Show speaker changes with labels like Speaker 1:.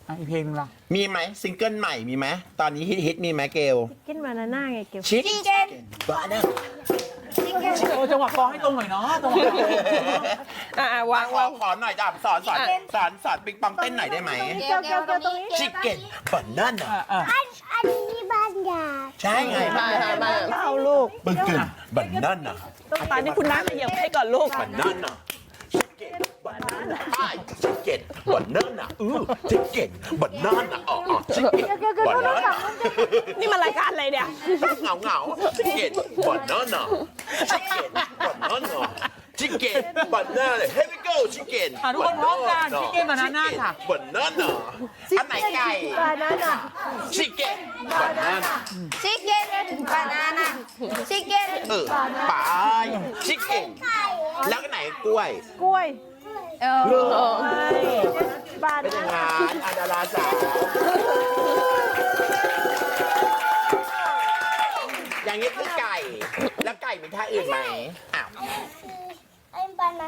Speaker 1: อีกเพลงนึงล่ะ
Speaker 2: มีไหมซิงเกิลใหม่มีไหมตอนนี้ฮิตมีไหมเกล
Speaker 3: กินบานาน่าไงเกี่ยว
Speaker 2: ชิคเก้นบานา
Speaker 1: จังหวะกลองให้ตรงหน่อยเนาะจังหวะ
Speaker 3: วาง
Speaker 2: ขอหน่อยจ้ะสอนปิงปองเต้นหน่อยได้ไหม
Speaker 3: เกี่ยวตรงนี้
Speaker 2: ชิคเก้นบานาน่า
Speaker 4: อันนี้บางอย่าง
Speaker 2: ใช่ไงบ้า
Speaker 3: เอาลูก
Speaker 2: บึ้งกึ่งบานาน่า
Speaker 3: ตอนนี้คุณน้าขยับให้ก่อนลูก
Speaker 2: บานาน่าชิคเก้นบานาน่าชิคเก้นบานาน่าชิคเก้นบานาน่าชิคเก้นบานาน่า
Speaker 3: นี่มันรายการอะไรเนี่ย
Speaker 2: เหงาชิคเก้นบานาน่าชิคเก้นบานาน่าชิคเก้นบานาน่า Here we go ชิคเก้น
Speaker 1: ทุกคนพร้อมกันชิคเก้นบานาน่าค่ะ
Speaker 2: บานาน่าอันไหนไก่
Speaker 3: บานาน่า
Speaker 2: ชิคเก้นบานาน่า
Speaker 4: ชิคเก้นบานาน่าชิคเก้น
Speaker 2: ไปชิคเก้นแล้วก็ไหนกล้วย
Speaker 3: กล้วย บา
Speaker 2: เป็น
Speaker 3: นา
Speaker 2: ยังไง
Speaker 3: น่า
Speaker 2: อันดาราสาวอย่างนี้คือไก่ แล้วไก่มีท่าอื่นไหมอ้าว